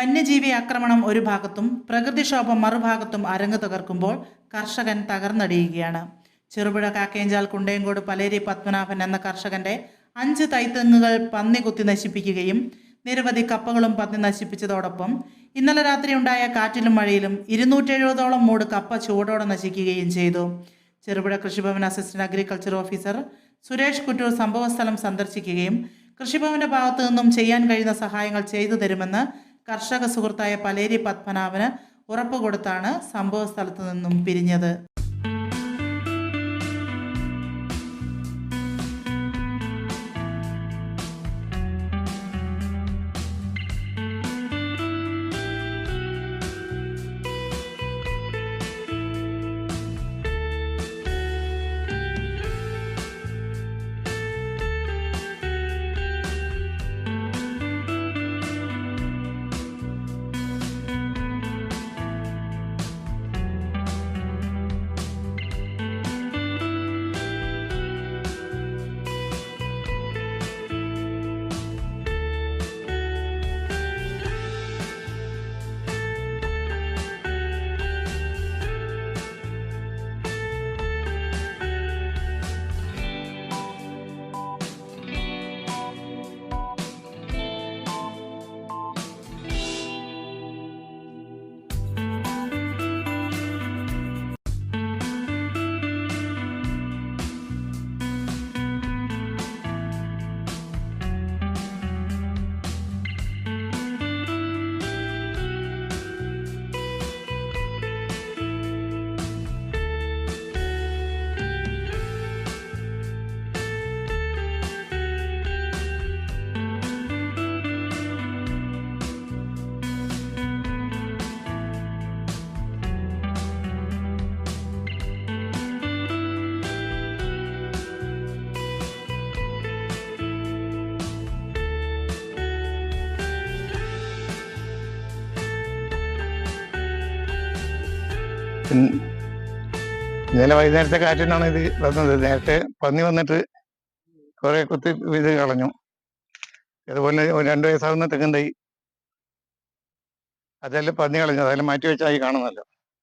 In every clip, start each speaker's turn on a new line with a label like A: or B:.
A: വന്യജീവി ആക്രമണം ഒരു ഭാഗത്തും പ്രകൃതിക്ഷോഭം മറുഭാഗത്തും അരങ്ങ് തകർക്കുമ്പോൾ കർഷകൻ തകർന്നടിയുകയാണ്. ചെറുപുഴ കാക്കേഞ്ചാൽ കുണ്ടയങ്കോട് പലേരി പത്മനാഭൻ എന്ന കർഷകന്റെ 5 തൈത്തെങ്ങുകൾ പന്നി കുത്തി നശിപ്പിക്കുകയും നിരവധി കപ്പകളും പന്നി നശിപ്പിച്ചതോടൊപ്പം ഇന്നലെ രാത്രി ഉണ്ടായ കാറ്റിലും മഴയിലും 270ഓളം മൂട് കപ്പ ചുവടോടെ നശിക്കുകയും ചെയ്തു. Cherupuzha Krishibhavan assistant agriculture officer Suresh Kuttoor സംഭവസ്ഥലം സന്ദർശിക്കുകയും കൃഷിഭവന്റെ ഭാഗത്തു നിന്നും ചെയ്യാൻ കഴിയുന്ന സഹായങ്ങൾ ചെയ്തു തരുമെന്ന് കർഷക സുഹൃത്തായ പലേരി പത്മനാഭന് ഉറപ്പുകൊടുത്താണ് സംഭവസ്ഥലത്തു നിന്നും പിരിഞ്ഞത്.
B: ഇന്നലെ വൈകുന്നേരത്തെ കാറ്റിനാണ് ഇത് വന്നത്. നേരത്തെ പന്നി വന്നിട്ട് കുറെ കുത്തി ഇത് കളഞ്ഞു. അതുപോലെ 2 വയസ്സാകുന്ന തെങ്ങും തൈ അതെല്ലാം പന്നി കളഞ്ഞു. അതെല്ലാം മാറ്റി വെച്ചായി കാണുന്നല്ലോ.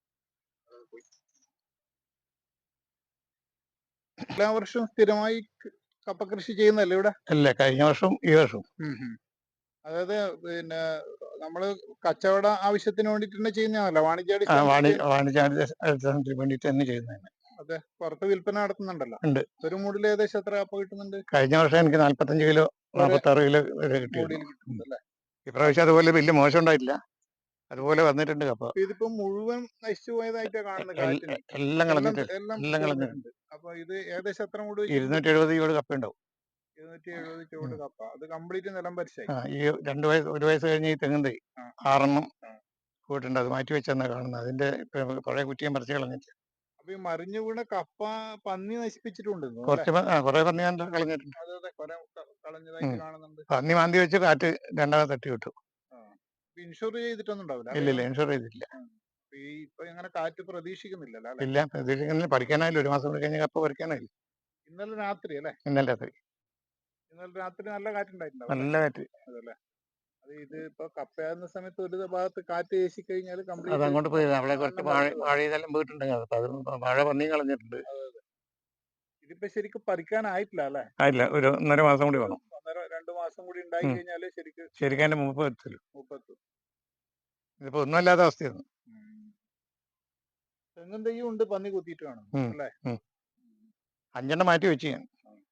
C: എല്ലാ വർഷവും സ്ഥിരമായി കപ്പ കൃഷി ചെയ്യുന്നല്ലേ ഇവിടെ?
B: അല്ല, കഴിഞ്ഞ വർഷം ഈ വർഷം.
C: അതായത് പിന്നെ നമ്മള് കച്ചവട ആവശ്യത്തിന് വേണ്ടിട്ട് തന്നെ ചെയ്യുന്നതാണല്ലോ,
B: വാണിജ്യാടിസ്ഥാനത്തിന് വേണ്ടിട്ട് തന്നെ ചെയ്യുന്നതാണ്.
C: അതെ, പുറത്ത് വിൽപ്പന നടത്തുന്നുണ്ടല്ലോ.
B: ഉണ്ട്.
C: ഒരു മൂടിൽ ഏകദേശം എത്ര കപ്പ കിട്ടുന്നുണ്ട്?
B: കഴിഞ്ഞ വർഷം എനിക്ക് 45 കിലോ 46 കിലോ വരെ കിട്ടിയിട്ടുണ്ട്. ഇപ്രാവശ്യം അതുപോലെ വലിയ മോശം ഉണ്ടായിട്ടില്ല. അതുപോലെ വന്നിട്ടുണ്ട് കപ്പ.
C: ഇതിപ്പോ മുഴുവൻ നശിച്ചു പോയതായിട്ടാ കാണുന്നത്.
B: എല്ലാം കളഞ്ഞിട്ടുണ്ട്.
C: അപ്പൊ ഇത് ഏകദേശം എത്ര മൂട്?
B: 270 ചുവട് കപ്പ ഉണ്ടാവും.
C: 270 ചുവട് കപ്പ. അത് കംപ്ലീറ്റ് നിലം പരിശായി.
B: ഈ 1 വയസ്സ് കഴിഞ്ഞ് ഈ തെങ്ങും തൈ 6 പോയിട്ടുണ്ട്. അത് മാറ്റി വെച്ചെന്നാ കാണുന്നത്. അതിന്റെ പഴയ കുറ്റിയും പറിച്ച് കളഞ്ഞിട്ട്.
C: അപ്പൊ ഈ മറിഞ്ഞു വീണ കപ്പ പന്നി നശിപ്പിച്ചിട്ടുണ്ട്.
B: കുറെ പന്നി കളഞ്ഞിട്ടുണ്ട്.
C: കളഞ്ഞതായിട്ട് കാണുന്നുണ്ട്.
B: പന്നി മാന്തി വെച്ച് കാറ്റ് രണ്ടാമത് തട്ടി വിട്ടു.
C: ഇൻഷുർ ചെയ്തിട്ടൊന്നും ഉണ്ടാവില്ല?
B: ഇല്ല, ഇൻഷുർ ചെയ്തിട്ടില്ല.
C: ഇപ്പൊ ഇങ്ങനെ കാറ്റ് പ്രതീക്ഷിക്കുന്നില്ല?
B: ഇല്ല, പ്രതീക്ഷിക്കുന്നില്ല. പഠിക്കാനായില്ല. 1 മാസം കൂടി കഴിഞ്ഞ കപ്പ പറിക്കാനായില്ല.
C: ഇന്നലെ രാത്രി അല്ലേ?
B: ഇന്നലെ രാത്രി
C: നല്ല കാറ്റുണ്ടായിട്ടുണ്ടാവും.
B: നല്ല കാറ്റ്.
C: അതല്ലേ, അത് ഇത് ഇപ്പൊ കപ്പയാകുന്ന സമയത്ത് ഒരു ഭാഗത്ത് കാറ്റ് വീശി കഴിഞ്ഞാൽ
B: അത് അങ്ങോട്ട് പോയി. അവിടെ കുറച്ച് മഴ ഇതെല്ലാം പോയിട്ടുണ്ടെങ്കിൽ അത് മഴ പന്നി കളഞ്ഞിട്ടുണ്ട്.
C: ഇതിപ്പോ ശരിക്കും പരിക്കാനായിട്ടില്ല അല്ലേ?
B: ആയില്ല, ഒരു 1.5 മാസം കൂടി വേണം.
C: 2 മാസം കൂടി ഉണ്ടായി കഴിഞ്ഞാല്
B: ശരിക്കും അതിന്റെ മൂപ്പെത്തും. ഇതിപ്പോ ഒന്നുമല്ലാത്ത അവസ്ഥയാണ്.
C: തെങ്ങും തൈയും ഉണ്ട് പന്നി കുത്തിയിട്ട് കാണും അല്ലേ?
B: 5 മാറ്റി വെച്ച് ഞാൻ.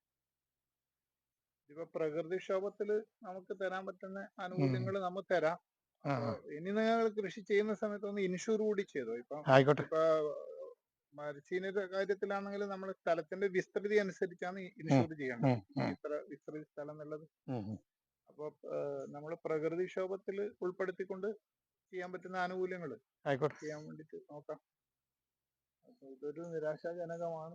C: ഇപ്പൊ പ്രകൃതിക്ഷോഭത്തില് നമുക്ക് തരാൻ പറ്റുന്ന ആനുകൂല്യങ്ങൾ നമ്മൾ തരാം. ഇനി നിങ്ങൾ കൃഷി ചെയ്യുന്ന സമയത്ത് ഒന്ന് ഇൻഷൂർ കൂടി ചെയ്തോ. ഇപ്പൊ മരച്ചീനിയുടെ കാര്യത്തിലാണെങ്കിൽ നമ്മൾ സ്ഥലത്തിന്റെ വിസ്തൃതി അനുസരിച്ചാണ് ഇൻഷൂർ ചെയ്യേണ്ടത്. ഇത്ര വിസ്തൃതി സ്ഥലം എന്നുള്ളത്. അപ്പൊ നമ്മൾ പ്രകൃതിക്ഷോഭത്തിൽ ഉൾപ്പെടുത്തിക്കൊണ്ട് ചെയ്യാൻ പറ്റുന്ന ആനുകൂല്യങ്ങൾ ചെയ്യാൻ വേണ്ടിട്ട് നോക്കാം. ഇതൊരു നിരാശാജനകമാണ്.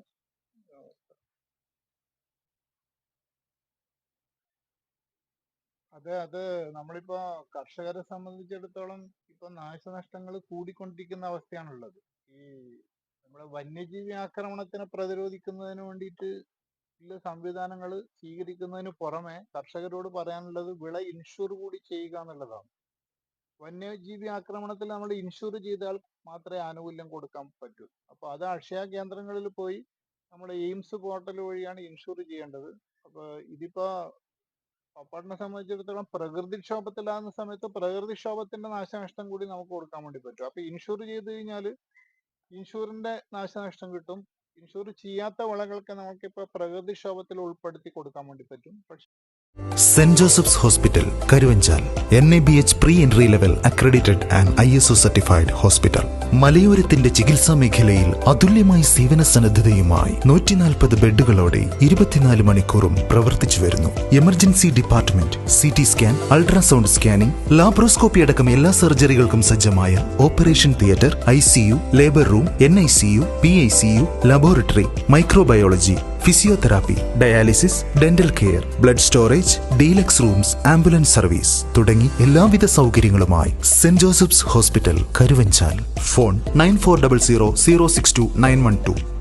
C: അത് നമ്മളിപ്പോ കർഷകരെ സംബന്ധിച്ചിടത്തോളം ഇപ്പൊ നാശനഷ്ടങ്ങൾ കൂടിക്കൊണ്ടിരിക്കുന്ന അവസ്ഥയാണുള്ളത്. ഈ നമ്മുടെ വന്യജീവി ആക്രമണത്തിനെ പ്രതിരോധിക്കുന്നതിന് വേണ്ടിയിട്ട് ചില സംവിധാനങ്ങൾ സ്വീകരിക്കുന്നതിന് പുറമെ കർഷകരോട് പറയാനുള്ളത് വിള ഇൻഷുർ കൂടി ചെയ്യുക എന്നുള്ളതാണ്. വന്യജീവി ആക്രമണത്തിൽ നമ്മൾ ഇൻഷൂർ ചെയ്താൽ മാത്രമേ ആനുകൂല്യം കൊടുക്കാൻ പറ്റൂ. അപ്പൊ അത് അക്ഷയ കേന്ദ്രങ്ങളിൽ പോയി നമ്മൾ എയിംസ് പോർട്ടൽ വഴിയാണ് ഇൻഷൂർ ചെയ്യേണ്ടത്. അപ്പൊ ഇതിപ്പോ പപ്പാടിനെ സംബന്ധിച്ചിടത്തോളം പ്രകൃതിക്ഷോഭത്തിലാകുന്ന സമയത്ത് പ്രകൃതിക്ഷോഭത്തിന്റെ നാശനഷ്ടം കൂടി നമുക്ക് കൊടുക്കാൻ വേണ്ടി പറ്റും. അപ്പൊ ഇൻഷൂർ ചെയ്ത് കഴിഞ്ഞാൽ ഇൻഷൂറിന്റെ നാശനഷ്ടം കിട്ടും. ഇൻഷൂർ ചെയ്യാത്ത വിളകൾക്ക് നമുക്കിപ്പോ പ്രകൃതിക്ഷോഭത്തിൽ ഉൾപ്പെടുത്തി കൊടുക്കാൻ വേണ്ടി പറ്റും. പക്ഷെ
D: saint Joseph's hospital Karuvanchal NABH pre entry level accredited and ISO certified hospital. മലയോരത്തിന്റെ ചികിത്സാ മേഖലയിൽ അതുല്യമായ സേവന സന്നദ്ധതയുമായി 140 ബെഡുകളോടെ 24 മണിക്കൂറും പ്രവർത്തിച്ചു വരുന്നു. Emergency department, CT scan, ultrasound scanning, laparoscopy അടക്കം എല്ലാ സർജറികൾക്കും സജ്ജമായ operation theatre, ICU, labour room, NICU, PICU, laboratory, microbiology, physiotherapy, dialysis, dental care, blood storage, deluxe rooms, ambulance service തുടങ്ങി എല്ലാവിധ സൗകര്യങ്ങളുമായി saint Joseph's hospital Karuvanchal. Phone 9400 062 912.